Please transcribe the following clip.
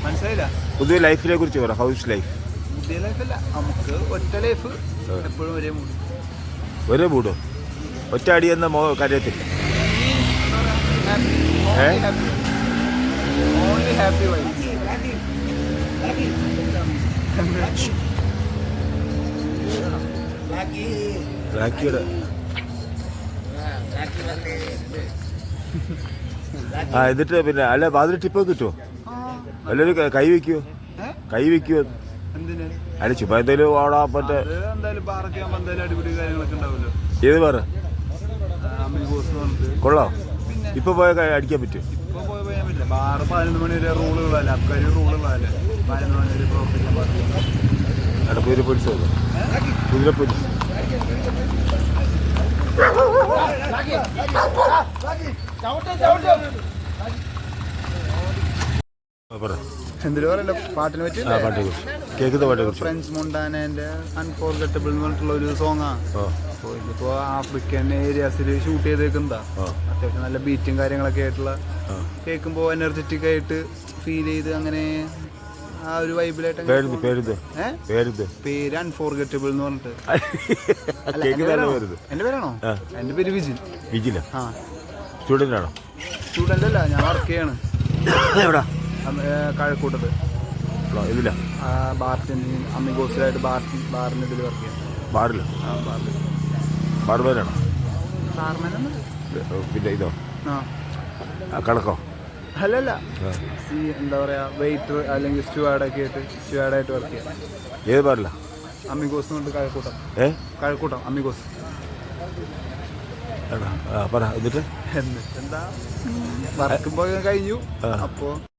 മനസ്സിലായില്ല. പുതിയ ലൈഫിനെ കുറിച്ച് പറ. House life. പുതിയ ലൈഫല്ല, നമുക്ക് ഒറ്റ ലൈഫ് എപ്പോഴും ഒരേ മൂഡ്. ഒരേ മൂടോ? ഒറ്റ അടി എന്ന കാര്യത്തില്ല. Only happy wife. റാക്കിയുടെ എന്നിട്ട് പിന്നെ അല്ല അതിൽ ടിപ്പ് കിട്ടുമോ? എല്ലാവരും കൈ വെക്കുവോ? കൈ വെക്കുവോ? എന്തിന്? അല്ല ചുമ്മാ എന്തെങ്കിലും ഓടാ മറ്റേ എന്തായാലും ബാറൊക്കെ ആകുമ്പോൾ എന്തായാലും അടിപൊളി കാര്യങ്ങളൊക്കെ ഉണ്ടാവുമല്ലോ. ഏത് പറ പറഞ്ഞിട്ട് കൊള്ളാം. ഇപ്പൊ പോയ അടിക്കാൻ പറ്റും? ഇപ്പൊ പോയാൻ പറ്റില്ല. ബാറ് 11 മണി വരെ റൂളുകളല്ലേ, അബ്കാരി റൂളുകളല്ലേ. 11 മണി വരെ പ്രവർത്തിക്കാൻ പാടില്ല. അവിടെ കുതിര പൊലിസ് കുതിര പൊലിസ് എന്തിനു പറയല്ലോ പാട്ടിനെ പറ്റി. കേൾക്കുന്ന പാട്ടിനെ കുറിച്ച്. ഫ്രഞ്ച് മൊണ്ടാനേന്റെ അൺഫോർഗറ്റബിൾ എന്ന് പറഞ്ഞിട്ടുള്ള ഒരു സോങ്ങാണ്. അപ്പോൾ ഇതിപ്പോ ആഫ്രിക്കൻ ഏരിയാസിൽ ഷൂട്ട് ചെയ്തേക്കുന്നതാ. അത്യാവശ്യം നല്ല ബീറ്റും കാര്യങ്ങളൊക്കെ ആയിട്ടുള്ള, കേൾക്കുമ്പോൾ എനർജറ്റിക് ആയിട്ട് ഫീൽ ചെയ്ത് അങ്ങനെ ആ ഒരു വൈബിലായിട്ട്. പേര് അൺഫോർഗറ്റബിൾ എന്ന് പറഞ്ഞിട്ട്. എന്റെ പേരാണോ? എന്റെ പേര് വിജിൽ. വിജില? ആ. സ്റ്റുഡന്റ് ആണോ? സ്റ്റുഡന്റ് അല്ല, ഞാൻ വർക്ക് ചെയ്യാണ്. എവിടാ? കഴക്കൂട്ടത്ത്. ഇതില്ല ബാർട്ടിൻ അമ്മിഗോസിലായിട്ട് ബാറിന് ഇതിൽ വർക്ക് ചെയ്യാം. ബാറിലോ? ആ, ബാറിൽ. ബാർബേനാണോ? ബാർമാനാണ്. പിന്നെ ഇതോ ആ കണക്കോ? അല്ലല്ല, എന്താ പറയാ, വെയിറ്റർ അല്ലെങ്കിൽ സ്റ്റുവാർഡൊക്കെ ആയിട്ട് സ്റ്റുവാർഡായിട്ട് വർക്ക് ചെയ്യാം. ഏത് ബാറില്ല? അമ്മിഗോസ് എന്ന് പറഞ്ഞിട്ട് കഴക്കൂട്ടം. കഴക്കൂട്ടം അമ്മിഗോസ്. പറ. എന്നിട്ട് എന്താ വർക്കും പോയി കഴിഞ്ഞു. അപ്പോൾ